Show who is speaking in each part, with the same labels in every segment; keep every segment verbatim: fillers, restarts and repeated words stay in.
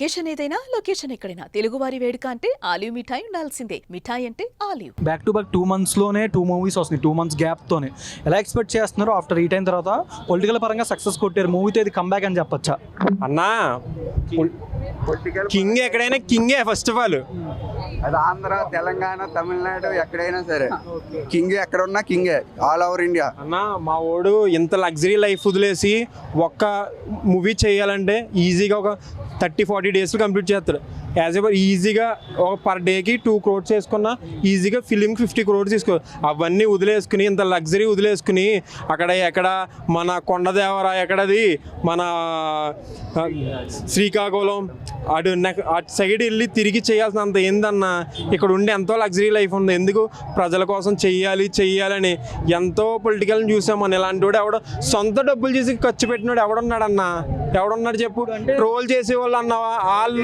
Speaker 1: Occasion ఏదైనా location ఎక్కడైనా తెలుగువారి వేడుక అంటే ఆలివ్ మిఠాయి ఉండాల్సిందే. మిఠాయి అంటే ఆలివ్.
Speaker 2: Back to back two months లోనే టూ మూవీస్ వస్తున్నాయి. టూ మంత్స్ గ్యాప్ తోనే ఎలా ఎక్స్పెక్ట్ చేస్తున్నారు? ఆఫ్టర్ ఈ టైం తర్వాత పొలిటికల్ పరంగా సక్సెస్ కొట్టారు, మూవీతో ఇది కంబ్యాక్ అని చెప్పొచ్చా
Speaker 3: అన్నా? కింగ్ ఎక్కడైనా కింగే ఫస్ట్ ఆఫ్ ఆల్.
Speaker 4: అది ఆంధ్ర, తెలంగాణ, తమిళనాడు ఎక్కడైనా సరే కింగ్ ఎక్కడ ఉన్నా కింగే ఆల్ ఓవర్ ఇండియా.
Speaker 3: అన్న మా వాడు ఇంత లగ్జరీ లైఫ్ వదిలేసి ఒక్క మూవీ చేయాలంటే ఈజీగా ఒక థర్టీ ఫార్టీ డేస్లో కంప్లీట్ చేస్తాడు. యాజ్ ఎవర్ ఈజీగా ఒక పర్ డేకి టూ క్రోడ్స్ వేసుకున్నా ఈజీగా ఫిలింకి ఫిఫ్టీ క్రోడ్స్ తీసుకో. అవన్నీ వదిలేసుకుని ఇంత లగ్జరీ వదిలేసుకుని అక్కడ ఎక్కడ మన కొండదేవర ఎక్కడది మన శ్రీకాకుళం అటు అటు సైడ్ వెళ్ళి తిరిగి చేయాల్సినంత ఏందన్నా ఇక్కడ ఉండి ఎంతో లగ్జరీ లైఫ్ ఉంది. ఎందుకు ప్రజల కోసం చెయ్యాలి చెయ్యాలని ఎంతో పొలిటికల్ని చూసాం. మన ఇలాంటి వాడు ఎవడో సొంత డబ్బులు చేసి ఖర్చు పెట్టినాడు ఎవడున్నాడన్నా? ఎవడున్నాడు చెప్పు? ట్రోల్ చేసేవాళ్ళు అన్నావా?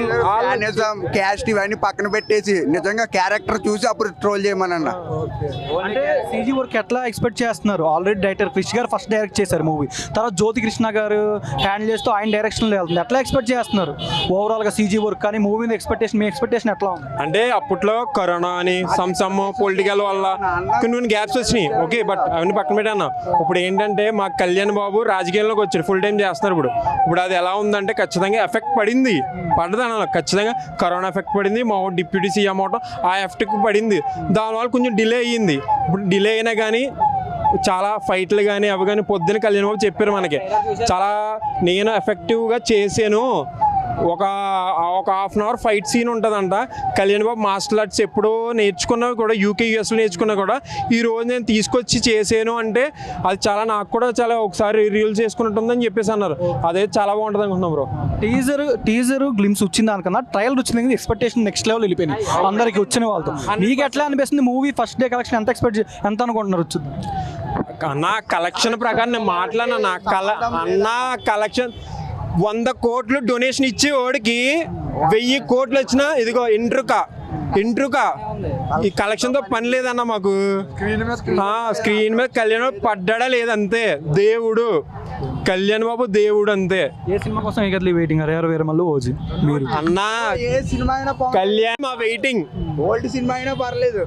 Speaker 4: క్యాస్ట్ ఇవన్నీ పక్కన పెట్టేసి నిజంగా క్యారెక్టర్ చూసి అప్పుడు ట్రోల్ చేయమనన్నా.
Speaker 2: అంటే సీజీ వర్క్ ఎట్లా ఎక్స్పెక్ట్ చేస్తున్నారు? ఆల్రెడీ డైరెక్టర్ క్రిష్ గారు ఫస్ట్ డైరెక్ట్ చేశారు మూవీ, తర్వాత జ్యోతి కృష్ణ గారు హ్యాండిల్ చేస్తూ ఆయన డైరెక్షన్లో వెళ్తుంది. ఎట్లా ఎక్స్పెక్ట్ చేస్తున్నారు ఓవరాల్గా సీజీ వర్క్? కానీ మూవీ మీద ఎక్స్పెక్టేషన్, మీ ఎక్స్పెక్టేషన్ ఎట్లా ఉంది?
Speaker 3: అంటే అప్పట్లో కరోనా అని సమ్ సమ్ పొలిటికల్ వల్ల కొన్ని కొన్ని గ్యాప్స్ వచ్చినాయి, ఓకే, బట్ అవన్నీ పక్కన పెట్టాను. ఇప్పుడు ఏంటంటే మా కళ్యాణ్ బాబు రాజకీయాల్లోకి వచ్చాడు, ఫుల్ టైం చేస్తున్నారు. ఇప్పుడు ఇప్పుడు అది ఎలా ఉందంటే ఖచ్చితంగా ఎఫెక్ట్ పడింది, పడదు అన్న ఖచ్చితంగా కరోనా ఎఫెక్ట్ పడింది. మా డిప్యూటీ సీఎం అవటం ఆ ఎఫెక్ట్ పడింది. దానివల్ల కొంచెం డిలే అయ్యింది. ఇప్పుడు డిలే అయినా కానీ చాలా ఫైట్లు కానీ అవి కానీ పొద్దున్న కళ్యాణ్ బాబు చెప్పారు మనకి, చాలా నేను ఎఫెక్టివ్గా చేశాను. ఒక ఒక half an hour fight scene ఉంటుందంట. కళ్యాణ్ బాబు మార్షల్ ఆర్ట్స్ ఎప్పుడో నేర్చుకున్నవి కూడా యూకే యూఎస్లో నేర్చుకున్నా కూడా ఈ రోజు నేను తీసుకొచ్చి చేసాను అంటే అది చాలా నాకు కూడా చాలా ఒకసారి రీల్ చేసుకున్నట్టుందని చెప్పేసి అన్నారు. అదే చాలా బాగుంటుంది అనుకుంటున్నాం బ్రో.
Speaker 2: టీజర్ టీజర్ గ్లిమ్స్ వచ్చింది దానికన్నా ట్రయల్ వచ్చింది, ఎక్స్పెక్టేషన్ నెక్స్ట్ లెవెల్ వెళ్ళిపోయింది అందరికి వచ్చిన వాళ్ళతో. మీకు ఎట్లా అనిపిస్తుంది మూవీ ఫస్ట్ డే కలెక్షన్ ఎంత ఎక్స్పెక్ట్ ఎంత అనుకుంటున్నారు వచ్చింది?
Speaker 3: నా కలెక్షన్ ప్రకారం నేను మాట్లాడినా నా కల అన్న కలెక్షన్ వంద కోట్లు డొనేషన్ ఇచ్చి వాడికి వెయ్యి కోట్లు వచ్చినా ఇదిగో ఇంట్రుక ఇంట్రుక ఈ కలెక్షన్తో పని లేదన్న మాకు. స్క్రీన్ మీద కళ్యాణ్ బాబు పడ్డా లేదంతే, దేవుడు కళ్యాణ్ బాబు దేవుడు అంతే.
Speaker 2: ఏ సినిమా కోసం ఎగర్లీ వెయిటింగ్? అరవై వేల మళ్ళీ ఓజీ మీరు
Speaker 3: అన్న
Speaker 4: ఏ సినిమా అయినా
Speaker 3: కళ్యాణ్ మా వెయిటింగ్.
Speaker 4: ఓల్డ్ సినిమా అయినా పర్లేదు,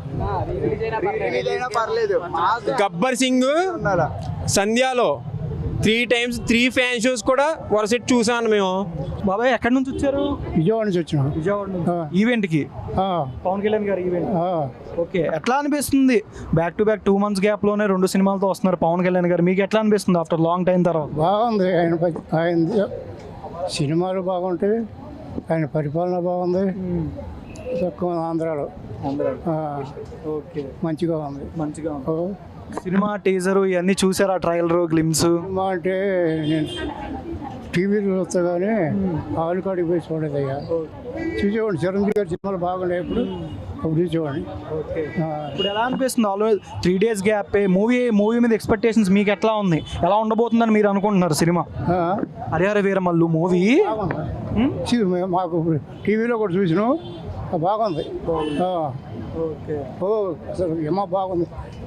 Speaker 4: పర్లేదు.
Speaker 3: గబ్బర్ సింగ్ సంధ్యాలో three times three fan shows కూడా వరుసెట్ చూసాను మేము.
Speaker 2: బాబాయ్ ఎక్కడి నుంచి వచ్చారు?
Speaker 5: విజయవాడ నుంచి వచ్చినాం.
Speaker 2: విజయవాడ నుంచి ఈవెంట్కి, పవన్ కళ్యాణ్ గారు ఈవెంట్. ఓకే, ఎట్లా అనిపిస్తుంది? Back to back two months గ్యాప్లోనే రెండు సినిమాలతో వస్తున్నారు పవన్ కళ్యాణ్ గారు, మీకు ఎట్లా అనిపిస్తుంది ఆఫ్టర్ లాంగ్ టైం తర్వాత?
Speaker 5: బాగుంది, ఆయన ఆయన సినిమాలు బాగుంటాయి, ఆయన పరిపాలన బాగుంది. తక్కువ ఆంధ్రాలో
Speaker 2: ఓకే
Speaker 5: మంచిగా ఉంది,
Speaker 2: మంచిగా ఉంది. సినిమా టీజర్ ఇవన్నీ చూసారా? ట్రయల్ గ్లిమ్స్
Speaker 5: సినిమా అంటే నేను టీవీలో వస్తాగానే ఆలు కాడికి పోయి చూడదయ్యా, చూసేవాడిని. చిరంజీవి గారి సినిమాలు బాగున్నాయి ఇప్పుడు, అప్పుడు చూసేవాడిని.
Speaker 2: ఇప్పుడు ఎలా అనిపిస్తుంది? Always three days gap movie movie మీద ఎక్స్పెక్టేషన్స్ మీకు ఎట్లా ఉంది? ఎలా ఉండబోతుందని మీరు అనుకుంటున్నారు సినిమా? హరిహర వీరమల్లు మూవీ
Speaker 5: మాకు టీవీలో కూడా చూసినాం, బాగుంది.
Speaker 2: ఓకే,
Speaker 5: ఓ అసలు ఏమో బాగుంది.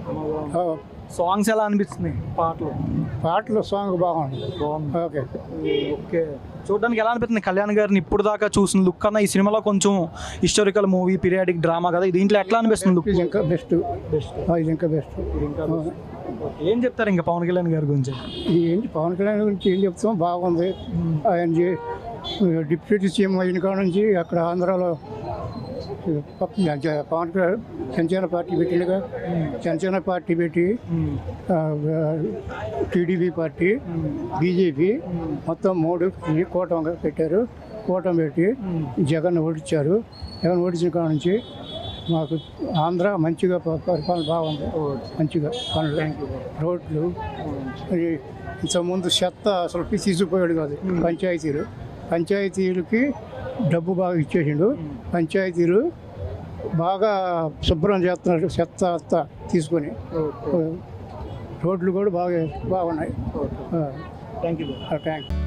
Speaker 2: సాంగ్స్ ఎలా అనిపిస్తున్నాయి? పాటలు
Speaker 5: పాటలు సాంగ్ బాగుంది. ఓకే
Speaker 2: ఓకే, చూడడానికి ఎలా అనిపిస్తుంది? కళ్యాణ్ గారిని ఇప్పుడు దాకా చూసిన లుక్ కన్నా ఈ సినిమాలో కొంచెం హిస్టారికల్ మూవీ, పీరియాడిక్ డ్రామా కదా, దీంట్లో ఎట్లా అనిపిస్తుంది లుక్?
Speaker 5: ఇది ఇంకా బెస్ట్, బెస్ట్ ఇది ఇంకా బెస్ట్.
Speaker 2: ఏం చెప్తారు ఇంకా పవన్ కళ్యాణ్ గారి గురించి?
Speaker 5: ఏంటి పవన్ కళ్యాణ్ గురించి ఏం చెప్తాం, బాగుంది. ఆయన డిప్యూటీ సీఎం అయిన కాడ నుంచి అక్కడ ఆంధ్రాలో పవన్ కళ్యాణ్ జనసేన పార్టీ పెట్టినగా, జనసేన పార్టీ పెట్టి టీడీపీ పార్టీ, బీజేపీ మొత్తం మూడు కూటమిగా పెట్టారు. కూటమి పెట్టి జగన్ ఓడించారు. జగన్ ఓడించిన కాడ నుంచి మాకు ఆంధ్ర మంచిగా పరిపాలన బాగుంది, మంచిగా పనులు, రోడ్లు. ఇంతకుముందు చెత్త అసలు తీసుకుపోయాడు కాదు పంచాయతీలు, పంచాయతీలకి డబ్బు బాగా ఇచ్చేసిండు. పంచాయతీలు బాగా శుభ్రం చేస్తున్నారు చెత్త అంతా తీసుకొని. రోడ్లు కూడా బాగా బాగున్నాయి.
Speaker 2: Thank you
Speaker 5: thank you.